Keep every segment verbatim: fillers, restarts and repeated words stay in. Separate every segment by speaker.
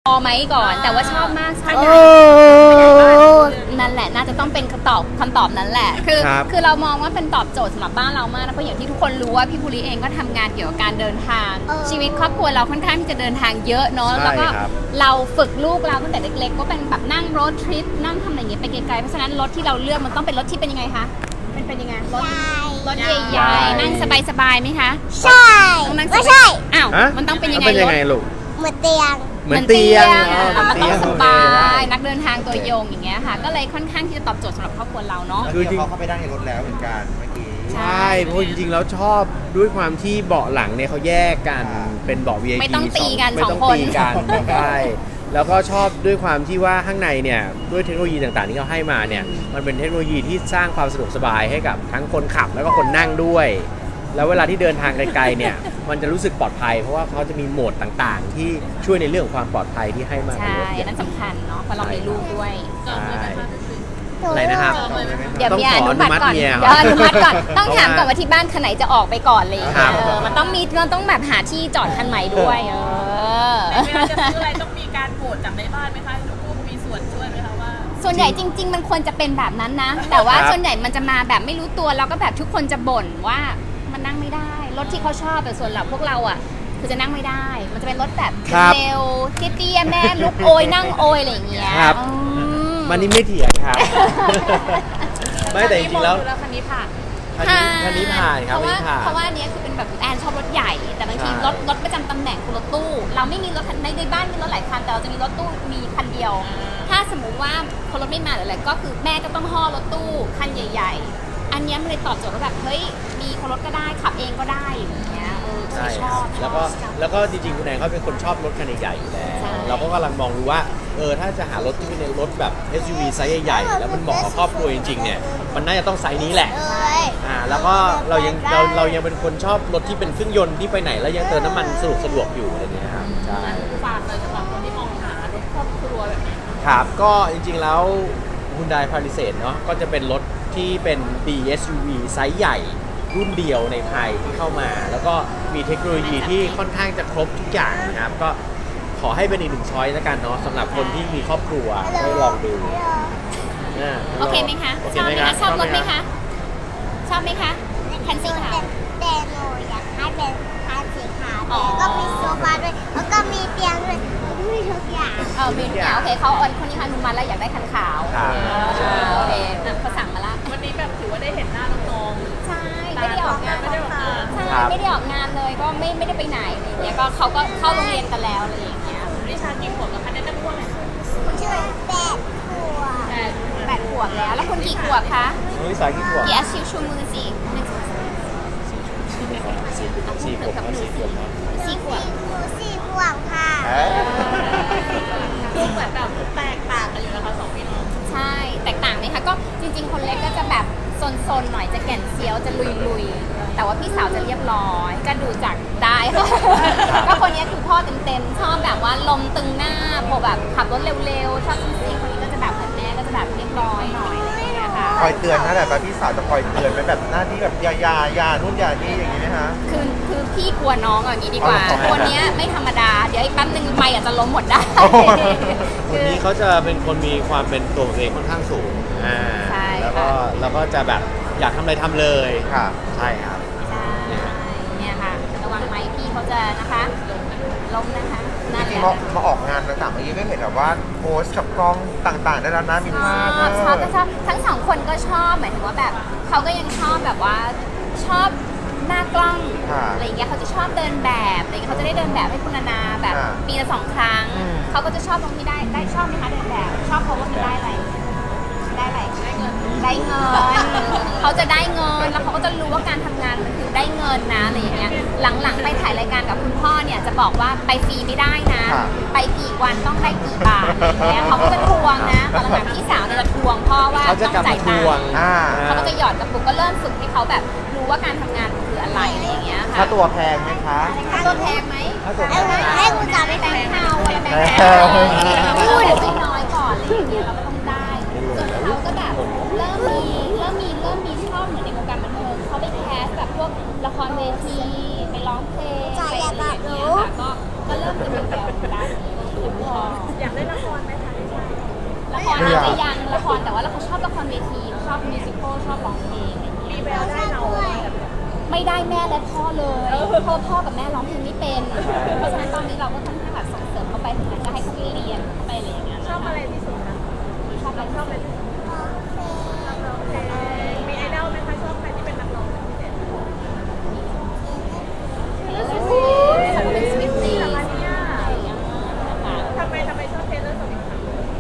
Speaker 1: พอไหมก่อนแต่ว่าชอบมากชอบนั่นแหละน่าจะต้องเป็นคำตอบคำตอบนั้นแหละคือคือเรามองว่าเป็นตอบโจทย์สำหรับบ้านเรามากนะเพราะอย่างที่ทุกคนรู้ว่าพี่ภูริเองก็ทำงานเกี่ยวกับการเดินทางชีวิตครอบครัวเราค่อนข้างที่จะเดินทางเยอะเนาะแล้วก็เราฝึกลูกเราตั้งแต่เล็กๆก็เป็นแบบนั่งรถทริปนั่งทำอะไรอย่างเงี้ยไปไกลๆเพราะฉะนั้นรถที่เราเลือกมันต้องเป็นรถที่เป็นยังไงคะเป็นเป็นยังไงรถรถใหญ่ๆนั่งสบายๆไหมคะ
Speaker 2: ใช่ไม่ใช่
Speaker 1: อ้าวมันต้องเป็นยังไงรถ
Speaker 3: ลูก
Speaker 2: เหมือนเตียง
Speaker 3: เหมือนเตียง
Speaker 1: มันต้องสบายนักเดินทางตัวโยงอย่างเงี้ยค่ะก็เลยค่อนข้างที่จะตอบโจทย์สำหรับครอบครัวเราเนาะ
Speaker 3: คือจริง
Speaker 4: เขาเข้าไปได้ในรถแล้วเหมือนกันเมื่อกี้
Speaker 3: ใช่เพราะจริงๆแล้วชอบด้วยความที่เบาะหลังเนี่ยเขาแยกกันเป็นเบาะ วี ไอ พี
Speaker 1: ไม่ต้องตีกันสองคน
Speaker 3: ไม่ต้องตีกันใช่แล้วก็ชอบด้วยความที่ว่าข้างในเนี่ยด้วยเทคโนโลยีต่างๆที่เขาให้มาเนี่ยมันเป็นเทคโนโลยีที่สร้างความสะดวกสบายให้กับทั้งคนขับแล้วก็คนนั่งด้วยแล้วเวลาที่เดินทางไกลๆเนี่ยมันจะรู้สึกปลอดภัยเพราะว่าเขาจะมีโหมดต่างๆที่ช่วยในเรื่องของความปลอดภัยที่ให้มา
Speaker 1: ใช่นั่นสำคัญเนาะเพราะเรามีลูกด้วย
Speaker 3: ใช่อะไรนะครับ
Speaker 1: เดี๋ยวมีอนุมัติก่อนเดี๋ยวอนุมัติก่อนต้องถามก่อนว่าที่บ้านคันไหนจะออกไปก่อนเลยมันต้องมีมันต้องแบบหาที่จอดคันใหม่ด้วยเออ
Speaker 5: เวลาจะซื้ออะไรต้องมีการโหวตจากในบ้านไหมคะลูกมีส่วนช่วยไหมคะว่า
Speaker 1: ส่วนใหญ่จริงๆมันควรจะเป็นแบบนั้นนะแต่ว่าส่วนใหญ่มันจะมาแบบไม่รู้ตัวแล้วก็แบบทุกคนจะบ่นว่ามันนั่งไม่ได้รถที่เขาชอบแต่ส่วนเราพวกเราอ่ะคือจะนั่งไม่ได้มันจะเป็นรถแบบเร็วเตี้ยๆแม่ลุกโอยนั่งโอยอะไรอย่างเงี้ย
Speaker 3: มันนี่ไม่เถียงครับไม่แต่จริงๆแล้ว
Speaker 5: คันนี้ผ่าน
Speaker 3: คันนี้ผ่านครับ
Speaker 1: เพราะว่าเพราะว่าอันนี้คือเป็นแบบแอนชอบรถใหญ่แต่บางทีรถรถประจำตำแหน่งคือรถตู้เราไม่มีรถในในบ้านมีรถหลายคันแต่เราจะมีรถตู้มีคันเดียวถ้าสมมุติว่าคนรถไม่มาหรืออะไรก็คือแม่ก็ต้องห่อรถตู้คันใหญ่ๆอันนี้มันเลยตอบโจทย์ว่าแบบเฮ้ยมีคนรถก็ได้ขับเองก็ได้อย่างเงี้ยเออชอบ
Speaker 3: แล้วก็แล้วก็จริงๆคุณแอนเขาเป็นคนชอบรถคันใหญ่ๆอยู่แล้วเราก็กำลังมองดูว่าเออถ้าจะหารถที่เป็นรถแบบ เอส ยู วี ไซส์ใหญ่ๆแล้วมันเหมาะกับครอบครัวจริงๆเนี่ยมันน่าจะต้องไซส์นี้แหละอ่าแล้วก็เรายังเราเรายังเป็นคนชอบรถที่เป็นเครื่องยนต์ที่ไปไหนแล้วยังเติมน้ำมันสะดวกสะดวกอยู่อะไรเงี้ยครับใช่
Speaker 5: ฝากเลยสำหรับคนที่มองหารถครอบครัวแบบนี้
Speaker 3: ครับก็จริงๆแล้ว Hyundai Palisade เนาะก็จะเป็นรถที่เป็น ดี เอส ยู วี ไซส์ใหญ่รุ่นเดียวในไทยที่เข้ามาแล้วก็มีเทคโนโลยีที่ค่อนข้างจะครบทุกอย่างนะครับก็ขอให้เป็นอีกหนึ่งช้อยส์แล้วกันเนาะสำหรับคนที่มีครอบครัวได้ลองดู
Speaker 1: โอเคไหมคะชอบไหมคะชอบรถไหมคะชอบไหมคะคันสีขาว
Speaker 2: แต่หนูอยากให้เป็นคันสีขาวแล้วก็มีโซฟาด้วยแล้วก็มีเตียงด้วยมีทุกอย่าง
Speaker 1: เออมีทุกอย่างโอเคเขาออนคนนี้อนุมัติแล้วอยากได้คันขาวโอเคเขาสั่งมาละ
Speaker 5: วันนี้แบบถือว่าได้เห็นหน้าน้อง
Speaker 1: ๆใช่ไม่ได้ออกงานไม่ได้ออกงานใช่ไม่ได้ออกงานเลยก็ไม่ไม่ได้ไปไหนอะไรอย่างเงี้ยก็เขาก็เข้าโรงเรียนกันแล้วอะไรอย่างเงี้ย
Speaker 5: นิชากี่ขวบแล้วคะเนี่ยจะพูดอะไร
Speaker 2: คุณชื่อแปดขวบ
Speaker 1: แปดขวบแล้วแล้วคุณกี่ขวบคะ
Speaker 3: น้องลิซ่ากี่ขวบ
Speaker 1: กี่อาชีพชูมือสิหนึ่ง
Speaker 3: สี่ขวบครับสี่ขวบครับ
Speaker 1: สี่ขวบ
Speaker 2: สี่ขวบค่ะ
Speaker 5: ดูเหมือนแบบแตกต่างกันอยู่นะคะสองพี่น้อง
Speaker 1: ใช่แตกต่างไหมคะก็จริงๆคนเล็กก็จะแบบซนๆหน่อยจะแก่นเซียวจะลุยๆแต่ว่าพี่สาวจะเรียบร้อยก็ดูจากได้ค่ะก็คนนี้คือพ่อเต็มๆชอบแบบว่าลมตึงหน้าพอแบบขับรถเร็วๆชอบซิ่งๆคนนี้ก็จะแบบเหมือนแม่ก็จะแบบเรียบร้อยหน่อยอะไรอย่างเงี้ยค่ะ
Speaker 4: คอยเตือนนะแบบพี่สาวจะคอยเตือนเป็นแบบหน้าที่แบบยายายานู่นยานี่อย่างนี้ไหมคะ
Speaker 1: คือคือพี่กลัวน้องอย่างนี้ดีกว่าคนนี้ไม่ธรรมดาเดี๋ยวอีกแป๊บนึงไม่อาจจะล้มหมดได้
Speaker 3: คนนี้เขาจะเป็นคนมีความเป็นตัวเองค่อนข้างสูงอ่าแล้วก็แล้วก็จะแบบอยากทำอะไรทำเลย
Speaker 4: ค่ะ
Speaker 3: ใช่ครับ
Speaker 1: ใช่เนี่ยค่ะระวังไม้พี่เขาจะนะคะล้มนะคะ
Speaker 4: จริงๆมามาออกงานต่างๆเมื่อกี้ก็เห็นแบบว่าโพสกับกล้องต่างๆได้แล้วนะมีภาพ
Speaker 1: ชอบชอบชอบทั้งสองคนก็ชอบหมายถึงว่าแบบเขาก็ยังชอบแบบว่าชอบหน้ากล้องอะไรอย่างเงี้ยเขาจะชอบเดินแบบอะไรเงี้ยเขาจะได้เดินแบบให้คุณนานาแบบปีละสองครั้งเขาก็จะชอบตรงที่ได้ได้ชอบไหมคะเดินแบบชอบเพราะว่ามันได้อะไรได้อะไรได้เงินได้เงินเขาจะได้เงินแล้วเขาก็จะรู้ว่าการทำงานมันคือได้เงินนะอะไรอย่างเงี้ยหลังๆไปถ่ายรายการกับคุณพ่อเนี่ยจะบอกว่าไปฟรีไม่ได้นะไปกี่วันต้องได้กี่บาทอะไรเงี้ยเขาก็จะทวงนะตอนหลังพี่สาวเนี่ยจะทวงพ่อว่าต้องจ่ายตังค์เขาก็จะหยอดกระปุกก็เริ่มฝึกให้เขาแบบรู้ว่าการทำงานคืออะไรอะไรอย่างเงี้ยค่ะ
Speaker 4: ค่าตัวแพงไหมคะ
Speaker 1: ค่าตัวแพงไหม
Speaker 2: ให้คุณจ๋าไป
Speaker 1: แบงค์เทาอะไรแบงค์เทาพูดไม่น้อยก่อนอะไรอย่างเงี้ยเราก็ต้องได้จนเขาก็แบบเริ่มมีเริ่มมีเริ่มมีชอบเหมือนในวงการบันเทิงเขาไปแคสแบบพวกละครเวทีไปร้องเพลงไปอะไรอย่างเงี้ยค่ะก็ก็เริ่มจะมีแววด้านนี้อาจจะยังละครแต่ว่าเราชอบละครเวทีชอบมิวสิควลชอบร้องเพลงอะไรอย่างเงี้ย
Speaker 5: มีแววได้เรา
Speaker 1: ไม่ได้แม่และพ่อเลยเพราะพ่อกับแม่ร้องเพลงไม่เป็น เพราะฉะนั้นตอนนี้เราก็ค่อนข้างแบบส่งเสริมเขาไปถึงนั้นก็ให้เขาไปเรียนเขาไปอะไรอย่างเงี้ย
Speaker 5: ชอบอะไรที่สุดคะ
Speaker 1: ชอบอะไรชอบอะไร
Speaker 5: ร้องเพลงมีไอดอลไหมคะชอบใครที่เป็นนักร้องพิเศษ
Speaker 1: ฉันเป็นสวิตตี้
Speaker 5: ทำไมเนี่ยทำไมทำไมชอบเทเลอร์สวิฟต์คะ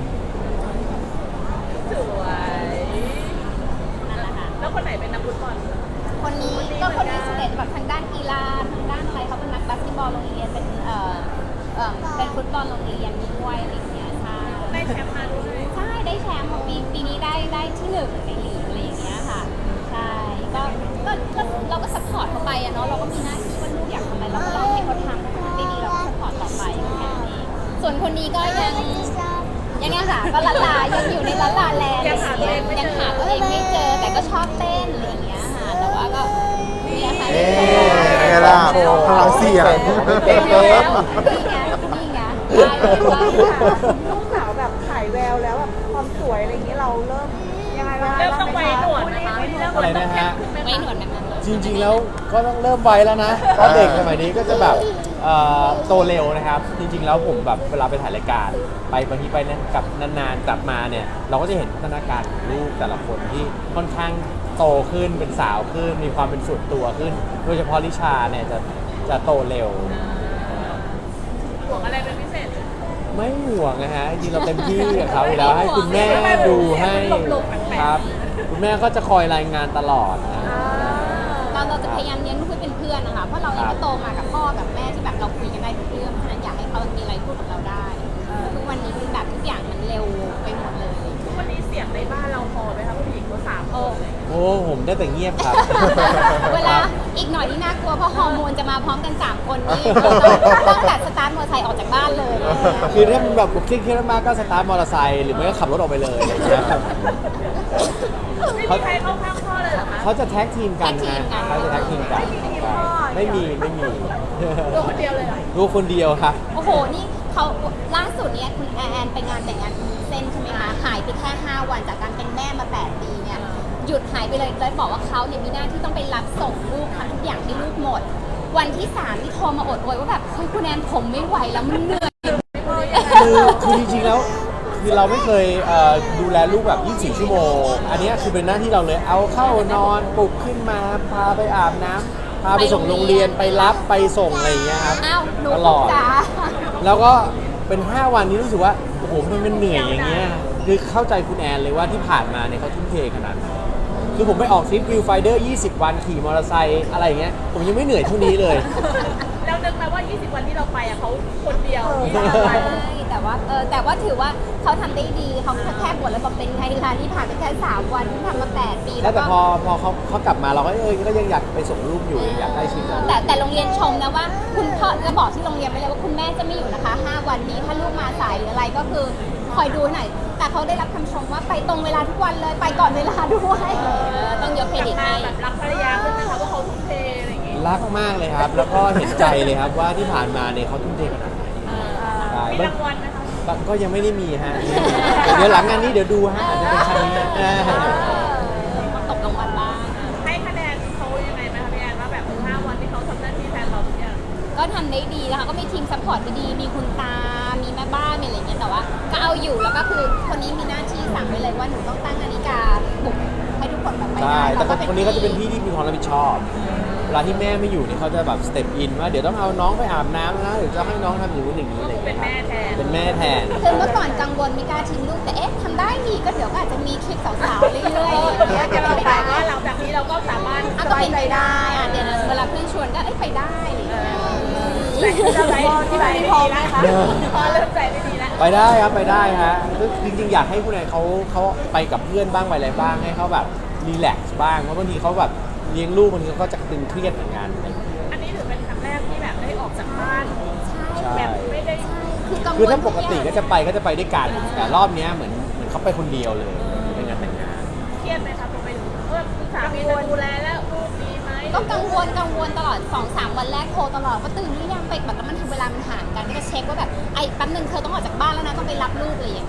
Speaker 5: สวย
Speaker 1: นั่นแหละค่ะ
Speaker 5: แล้วคนไหนเป็นนักฟุตบอล
Speaker 1: คนนี้ก็คนนี้สุดเด่นแบบทางด้านกีฬาทางด้านอะไรเขาเป็นนักบาสเกตบอลโรงเรียนเป็นเอ่อเอ่อเป็นฟุตบอลโรงเรียนด้วยอะไรอย่างเงี้ยใช่
Speaker 5: ได้แชมป์มาด้วย
Speaker 1: ใช่ได้แชมป์ปีปีนี้ได้ได้ที่หนึ่งในลีกอะไรอย่างเงี้ยค่ะใช่ก็ก็ก็เราก็ซัพพอร์ตเขาไปอะเนาะเราก็มีหน้าที่ว่าลูกอยากทำอะไรเราก็ลองให้เขาทำถ้าเขาทำได้ดีเราก็ซัพพอร์ตต่อไปแค่นั้นเองส่วนคนนี้ก็ยังยังยังค่ะก็ละลายังอยู่ในละลาแลนด์ยังหาตัวเองยังหาตัวเองไม่เจอแต่ก็ชอบเต้นอะไรอย่างเงี้ยค่ะแต่ว่าก็เนี่ยค่ะ
Speaker 4: เอ๊ะไงล่ะพลังเสียง
Speaker 3: เก่งแล้ว
Speaker 1: นี่ไงนี่ไงได้เลยว่า
Speaker 6: ลูกสาวแบบขายแววแล้วแบบความสวยอะไรอย่างนี้เราเริ่มยังไงบ้าง
Speaker 5: เริ่มต้องไว้หนวดนะคะ
Speaker 3: อะไรนะฮะ
Speaker 1: ไม่หนวดแบบนั้นเลย
Speaker 3: จริงๆแล้วก็ต้องเริ่มไวแล้วนะเพราะเด็กสมัยนี้ก็จะแบบเอ่อโตเร็วนะครับ จริงๆแล้วผมแบบเวลาไปถ่ายรายการ ไปบางทีไปนะกลับนานๆกลับมาเนี่ยเราก็จะเห็นพัฒนาการของลูกแต่ละคนที่ค่อนข้างโตขึ้นเป็นสาวขึ้น มีความเป็นส่วนตัวขึ้น โดยเฉพาะลิชาเนี่ยจะจะโตเร็ว
Speaker 5: ห่วงอะไรเป็นพิเศษ
Speaker 3: ไม่ห่วงนะฮะจริงๆเราเต็มที่กับเขาอยู่แล้วให้คุณแม่ดูให้ครับ คุณแม่ก็จะคอยรายงานตลอดนะ
Speaker 1: เราเราจะพยายามเลี้ยงลูกให้เป็นเพื่อนนะคะ เพราะเราเองก็โตมากับพ่อกับแม่ที่แบบเราคุยกันได้ทุกเรื่องเพราะฉะนั้นอยากให้เขามีอะไรพูดกับเราได้ทุกวันนี้คือแบบทุกอย่างมันเร็วไปหมดเลย
Speaker 5: ทุกวันนี้เสียงในบ้านเราพอไหมคะผู้หญิงเขาสามค
Speaker 1: โอ้
Speaker 5: นเลย
Speaker 3: โอ้ผมได้แต่เงียบครับ
Speaker 1: เวลาอีกหน่อยนี่น่ากลัวเพราะฮอร์โมนจะมาพร้อมกันสามคนนี่ต้องแบบสตาร์ทมอเตอร์ไซค์ออกจากบ้านเลย
Speaker 3: คือถ้ามันแบบเครียดๆมากก็สตาร์ทมอเตอร์ไซค์หรือไม่ก็ขับรถออกไปเลยอะไรอย่างเงี้ยครับ
Speaker 5: ไม่มีใครเข้าข้างพ่อเลยเหรอคะ
Speaker 3: เขาจะแท็กทีมกันนะเขาจะแท็กทีมกันไม่มีไม่มี
Speaker 5: ตัวคนเดียวเลยเหรอ
Speaker 3: ลูกคนเดียวครับ
Speaker 1: โอ้โห นี่เขาล่าสุดเนี่ยคุณแอนไปงานแต่งงานคุณวุ้นเส้นใช่ไหมคะ หายไปแค่ห้าวันจากการเป็นแม่มาแปดปีเนี่ย หยุดหายไปเลยแล้วบอกว่าเขาเนี่ยมีหน้าที่ต้องไปรับส่งลูกทำทุกอย่างให้ลูกหมด วันที่สามที่โทรมาอดโวยว่าแบบเฮ้ยคุณแอนผมไม่ไหวแล้วมันเหนื่อย
Speaker 3: คือคือจริงๆแล้วคือเราไม่เคยเอ่อดูแลลูกแบบยี่สิบสี่ชั่วโมง อันเนี้ยคือเป็นหน้าที่เราเลยเอาเข้านอนปลุกขึ้นมาพาไปอาบน้ำพาไปส่งโรงเรียนไปรับไปส่งอะไรอย่างเงี้ยครับ
Speaker 1: อ้าวหนู
Speaker 3: ตลอด
Speaker 1: จ๋า
Speaker 3: แล้วก็เป็นห้าวันนี้รู้สึกว่าโอ้โหมันมันเหนื่อยอย่างเงี้ยคือเข้าใจคุณแอนเลยว่าที่ผ่านมาเนี่ยเขาทุ่มเทขนาดไหนคือผมไปออกทริปวิวไฟเดอร์ยี่สิบวันขี่มอเตอร์ไซค์อะไรอย่างเงี้ยผมยังไม่เหนื่อยเท่านี้เลย
Speaker 5: แล้วนึกไหมว่า ยี่สิบ วันที่เราไปอ่ะเขาคนเดียวยี่
Speaker 1: ใช
Speaker 5: สิบ วัน
Speaker 1: ่แต่ว่าเออแต่ว่าถือว่าเขาทำได้ดีเขาแค่บ่นแล้วบอกเป็นไงล่ะนี่ผ่านไปแค่สามวันทำมาแปดปี
Speaker 3: แล้
Speaker 1: แล้ว ว
Speaker 3: แต่
Speaker 1: ก็
Speaker 3: พอพอเขาเขากลับมาเราก็เออก็ยังอยากไปส่งลูกอยู่ยังอยากได้ชิมกับลูก
Speaker 1: แต่แต่โรงเรียนชมนะว่าคุณพ่อจะบอกที่โรงเรียนไปเลยว่าคุณแม่จะไม่อยู่นะคะห้าวันนี้ถ้าลูกมาสายหรืออะไรก็คือคอยดูหน่อยแต่เขาได้รับคำชมว่าไปตรงเวลาทุกวันเลยไปก่อนเวลาด้วยเออต้องยกเครดิต
Speaker 5: มา
Speaker 1: ให้
Speaker 5: แบบรักภรรยาขึ้นนะคะว่าเขาทุ่มเทอะไรอย่างงี้
Speaker 3: รักมากเลยครับ แล้วก็เห็นใจเลยครับว่าที่ผ่านมาเนี่ยเขาทุ่มเทขนาดไหนใช่
Speaker 5: มีรางวัลไหมคะ
Speaker 3: บางก็ยังไม่ได้มีฮะเดี๋ยวหลังงานนี้เดี๋ยวดูฮะอาจจะเป็นชั้นนี้อ่า
Speaker 1: ตกรางวัลบ้าง
Speaker 5: ให้คะแนนเขายังไงไหมคะพี่แอนว่าแบบห้าวันที่เขาทำหน้าที่แทนเราทุกอย่าง
Speaker 1: ก็ทำได้ดีนะคะก็มีทีมซัพพอร์ตที่ดีมีคุณตา มีแม่บ้านมีอะไรอย่างเงี้ยแต่ว่าก็เอาอยู่แล้วก็คือคนนี้มีหน้าที่สั่งไปเลยว่าหนูต้องตั้งนาฬิกาปลุกให้ทุกคนแบบไป
Speaker 3: ใช่
Speaker 1: ได้
Speaker 3: แต่คนคนนี้เขาจะเป็นพี่ที่มีความรับผิดชอบ เวลาที่แม่ไม่อยู่เนี่ยเขาจะแบบสเต็ปอินว่าเดี๋ยวต้องเอาน้องไปอาบน้ำนะเดี๋ยวจะให้น้องทำอย่างนู้นอย่างนี้อะไรอย่าง
Speaker 5: เป็
Speaker 3: เงี้
Speaker 5: น
Speaker 3: ยครับ
Speaker 5: แม่แทน
Speaker 3: เป็นแม่แทน
Speaker 1: คือเมื่อก่อนกังวลไม่กล้าทิ้งลูกแต่เอ๊ะทำได้ดีก็เดี๋ยวก็อาจจะมีคลิปสาวๆเรื่อยๆ
Speaker 5: เดี๋ยวจะเราแต่ว่าหลังจากนี้เราก็สามารถ
Speaker 1: อ่ะก็เป็นไปได้อ่ะเดี๋ยวเวลาเพื่อนชวนก็เอ้ยไปได้อะไรอย่างเงี้ย
Speaker 5: จะใจที่ไหนไม่ดีแล้วพอเริ่มใจไม่ดีแล้ว
Speaker 3: ไปได้ครับไปได้ฮะจริงๆอยากให้คุณนายเขาเขาไปกับเพื่อนบ้างไปอะไรบ้างให้เขาแบบรีแลกซ์บ้างเพราะบางทีเขาแบบเลี้ยงลูกบางทีเขาก็จะตึงเครียดเหมือนกัน
Speaker 5: อันนี้ถือเป็นครั้งแรกที่แบบได้ออกจากบ้าน
Speaker 3: ใช่
Speaker 5: แบบไม่ได้
Speaker 1: คือกังวล
Speaker 3: คือถ้าปกติก็จะไปก็จะไปด้วยกันแต่รอบเนี้ยเหมือนเหมือนเขาไปคนเดียวเลยเป็นงานแต่งงาน
Speaker 5: เครียดไหมคะพอไปถึงเออคุณสามีจะดูแลแล้วลูกดีไหม
Speaker 1: ก็กังวลกังวลตลอด สองสาม วันแรกโทรตลอดว่าตื่นหรือยังไปแบบแล้วมันเวลามันห่างกันก็จะเช็คว่าแบบไอ้แป๊บนึงเธอต้องออกจากบ้านแล้วนะต้องไปรับลูกอะไรอย่างเงี้ยแต่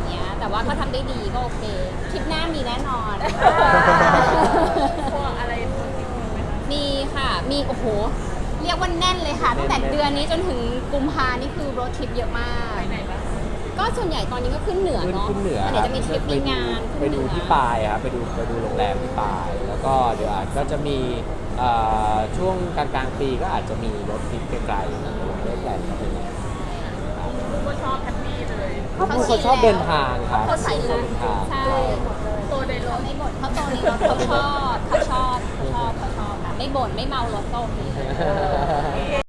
Speaker 1: แต่ว่าก็ทำได้ดีก็โอเคทริปหน้ามีแน่นอน
Speaker 5: พวกอะไรพวกนี้ไหมคะ
Speaker 1: มีค่ะ มีโอ้โห เรียกว่าแน่นเลยค่ะ ตั้งแต่เดือนนี้จนถึงกุมภานี่คือรถทริปเยอะมาก
Speaker 5: ไปไหนบ้าง
Speaker 1: ก็ส่วนใหญ่ตอนนี้ก็ขึ้นเหนือ
Speaker 3: ขึ้น
Speaker 1: เนาะ
Speaker 3: ขึ้นเหนือ
Speaker 1: เดี๋ยวจะมีทริปมีงาน
Speaker 3: ไปดู
Speaker 1: ขึ้นเหนือ
Speaker 3: ที่ปายครับไปดูไปดูโรงแรมที่ปาย แล้วก็เดี๋ยวอาจก็จะมีเอ่อช่วงกลางกลางๆปีก็อาจจะมีรถทริปไกลๆนะเรื่องแหลมก็เป็นอย่างนั้น
Speaker 5: ลูกก็ชอบแฮปปี้เลย
Speaker 3: เขาเป็นคนชอบเดินทางครับ
Speaker 1: เขาใส่
Speaker 3: เดินทาง
Speaker 1: ใช่
Speaker 5: โตในรถ
Speaker 1: ไม่บ่นเขาโตในรถเขาชอบเขาชอบเขาชอบเขาชอบค่ะไม่บ่นไม่เมารถก็โอเค